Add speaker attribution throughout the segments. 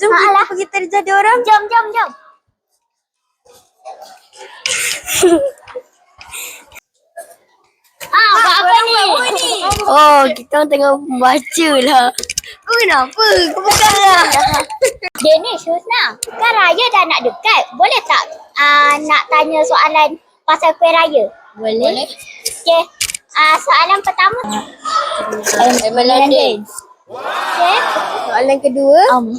Speaker 1: Jom kita pergi terjadi orang.
Speaker 2: Jom. Buat apa ni?
Speaker 1: Oh, kita tengah baca lah. Kau kenapa? Kau bukan lah.
Speaker 2: Dia ni Syusna, kan raya dah nak dekat. Boleh tak nak tanya soalan pasal kuih raya?
Speaker 1: Boleh.
Speaker 2: Okay. Soalan pertama.
Speaker 1: London.
Speaker 2: Okay.
Speaker 1: Soalan kedua.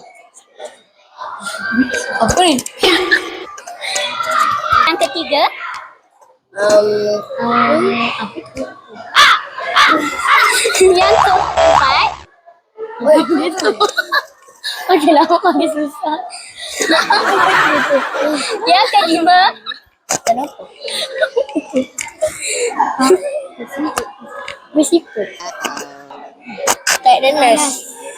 Speaker 1: Apa ni?
Speaker 2: Yang ketiga.
Speaker 1: Apa tu?
Speaker 2: Yang keempat.
Speaker 1: Okey lah, makin susah.
Speaker 2: Yang kelima.
Speaker 1: Kenapa?
Speaker 2: Bersifat.
Speaker 1: Tak ada nurse.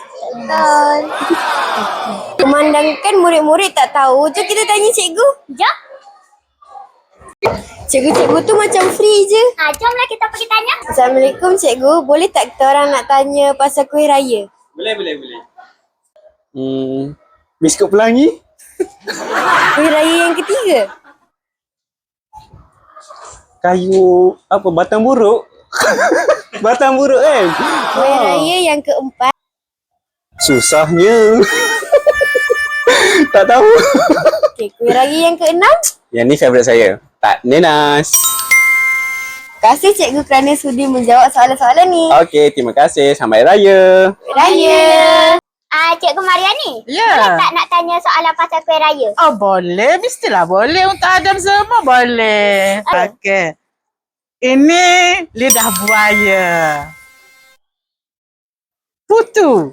Speaker 1: Memandangkan murid-murid tak tahu, jom kita tanya cikgu.
Speaker 2: Jom.
Speaker 1: Cikgu-cikgu tu macam free je.
Speaker 2: Jomlah kita pergi tanya.
Speaker 1: Assalamualaikum cikgu, boleh tak kita orang nak tanya pasal kuih raya?
Speaker 3: Boleh. Biskut pelangi?
Speaker 1: Kuih raya yang ketiga?
Speaker 3: Kayu apa? Batang buruk? Batang buruk kan?
Speaker 1: Kuih raya yang keempat?
Speaker 3: Susahnya. Tak tahu.
Speaker 1: Okey, kuih raya yang keenam?
Speaker 3: Yang ni favourite saya. Tak nenas.
Speaker 1: Terima kasih cikgu kerana sudi menjawab soalan-soalan ni.
Speaker 3: Okey, terima kasih. Selamat Raya.
Speaker 1: Kuih raya.
Speaker 2: Cikgu Mariani.
Speaker 4: Ya.
Speaker 2: Boleh tak nak tanya soalan pasal kuih raya?
Speaker 4: Oh boleh, mestilah boleh. Untuk Adam semua boleh. Okey. Ini lidah buaya. Putu.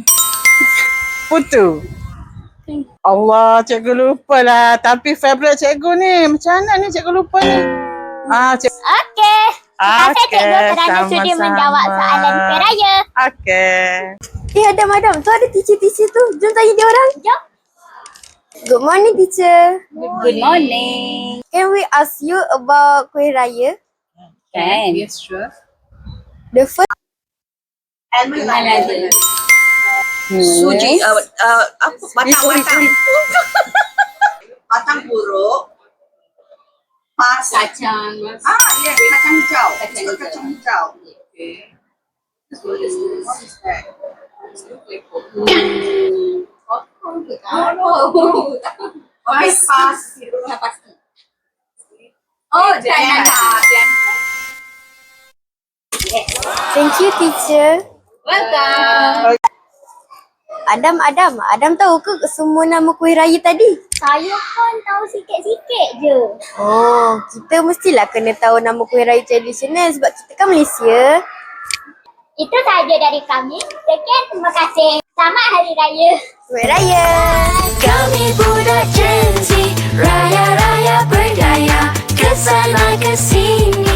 Speaker 4: Allah, cikgu lupa lah. Tapi favourite cikgu ni. Macam mana ni cikgu lupa ni?
Speaker 2: Okey. Terima kasih cikgu kerana sudi
Speaker 4: sama-sama.
Speaker 2: menjawab soalan kuih raya.
Speaker 4: Okey.
Speaker 1: Adam, tu ada teacher-teacher tu. Jom tanya dia orang.
Speaker 2: Jom.
Speaker 1: Good morning teacher.
Speaker 2: Good morning.
Speaker 1: Can we ask you about kuih raya?
Speaker 2: Can.
Speaker 5: Yes, sure.
Speaker 1: The first
Speaker 5: Suji, apa? Batang. Batang buruk. Kacang. Ya, kacang hijau. Kacang hijau. Okay. What is that? Okay, pasti. Oh, jam.
Speaker 1: Thank you teacher.
Speaker 5: Welcome.
Speaker 1: Adam tahu ke semua nama kuih raya tadi?
Speaker 2: Saya pun tahu sikit-sikit je.
Speaker 1: Oh, kita mestilah kena tahu nama kuih raya tradisional sebab kita kan Malaysia.
Speaker 2: Itu sahaja dari kami. Sekian, terima kasih. Selamat Hari Raya.
Speaker 1: Kuih raya.
Speaker 6: Kami budak Gen Z, raya-raya berdaya, kesana kesini.